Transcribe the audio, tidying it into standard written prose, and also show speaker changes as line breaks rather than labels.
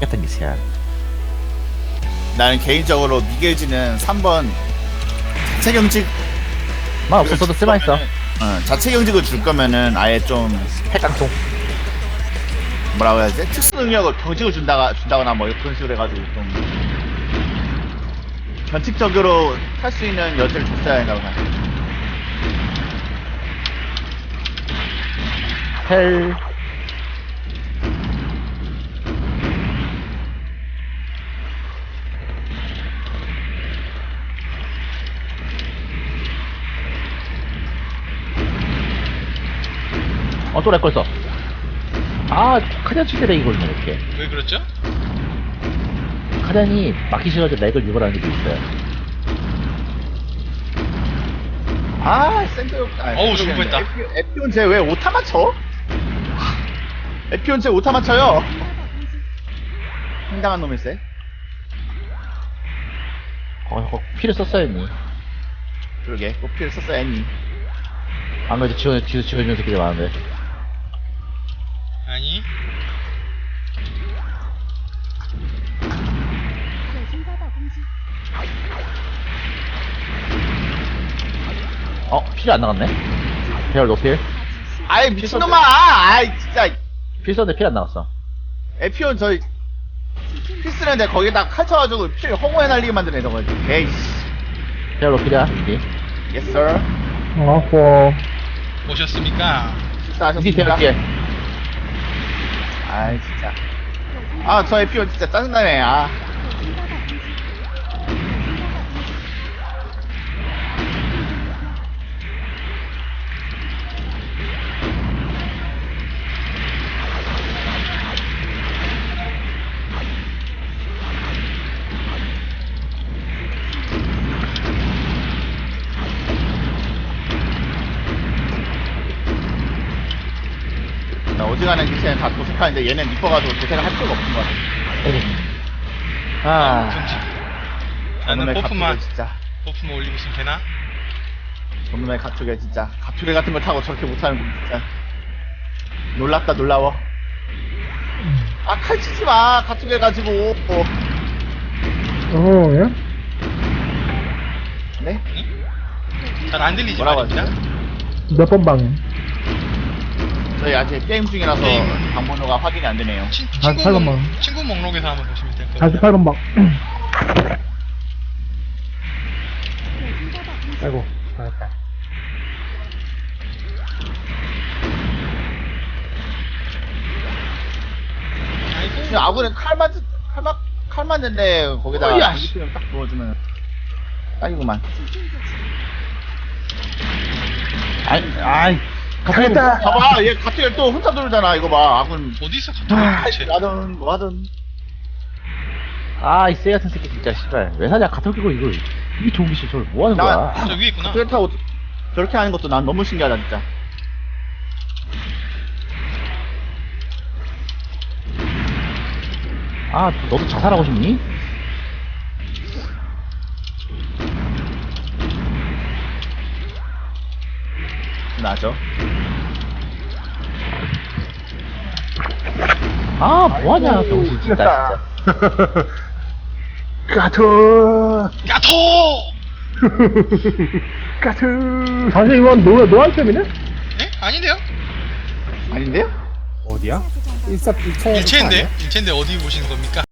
같은 게 있어야.
나는 개인적으로 미겔지는 3번 자체 경직
만 없었어도 쓸만했어.
자체 경직을 줄 거면은 아예 좀
핵깡통.
뭐라고 해야지? 특수 능력을 경직을 준다거나 뭐 그런 식으로 해가지고 좀 변칙적으로 탈 수 있는 여지를 줬어야 한다고 생각해.
헬. 또 렉 걸렸어. 카잔 칠때 렉이 걸리네, 이렇게.
왜 그렇죠?
카잔이 막기 싫어서 렉을 유발하는 게 있어요.
샌드
어우, 죽을 뻔했다.
에피온 쟤 왜 오타 맞춰? 에피온 쟤 오타 맞춰요? 황당한 놈일세.
피를 썼어야 했니?
그러게, 꽃피를 썼어야 했니?
안 그래도 뒤에서 지워주는 새끼들 많은데.
아니
필이 안 나갔네? 배열 노필?
아이, 미친놈아! 아이, 진짜.
필 썼는데 필 안 나갔어.
에피온 저희 필스는데 거기다 칼 쳐가지고 필 허공에 날리게 만드네 저거. 에이씨.
배열 노필이야, 이게.
Yes sir.
오셨습니까?
이게
식사하셨습니까?
배열 뒤에.
아이 진짜. 저 에피온 진짜 짜증나네. 어지간한 기체는 다 도색하는데 얘는 이뻐가지고 도색을 할 필요가 없는 것 같아.
금지. 나는
저놈의
버프만
가축에 진짜.
올리고 있으면 되나?
저놈의 가축에 진짜. 가축에 같은 걸 타고 저렇게 못하는 거 진짜. 놀랍다 놀라워. 칼 치지 마. 가축에 가지고.
예?
네?
잘 안 들리지
뭐라고
말입니다.
몇 번 방에?
저희 아직 게임 중이라서
게임.
방번호가 확인이 안 되네요.
친구
48번.
친구 목록에서 한번 보시면 될 거예요.
48번 방. 아이고, 잘했다.
아이고
아군은 칼 맞는데 거기다가
어이야,
이기표를 딱 부어주면 딱이구만.
갔다!
봐봐, 얘 갑자기 또 혼자 돌잖아. 이거 봐, 아군.
어디서 갑자기 대체
하든 뭐 하든.
이 쎄 같은 새끼 진짜, 씨발. 왜 사냐, 가톨 끼고 이걸. 이게 좋은 기술, 저걸 뭐 하는
나-
거야?
저 위에 있구나.
갑자기 타고 저렇게 하는 것도 난 너무 신기하다 진짜.
너도 자살하고 싶니?
나죠.
뭐하냐, 병신 진짜.
까투!
야토!
까투! 사실 이건 노아이템이네?
예? 아닌데요?
아닌데요?
어디야?
일체인데 어디 보시는 겁니까?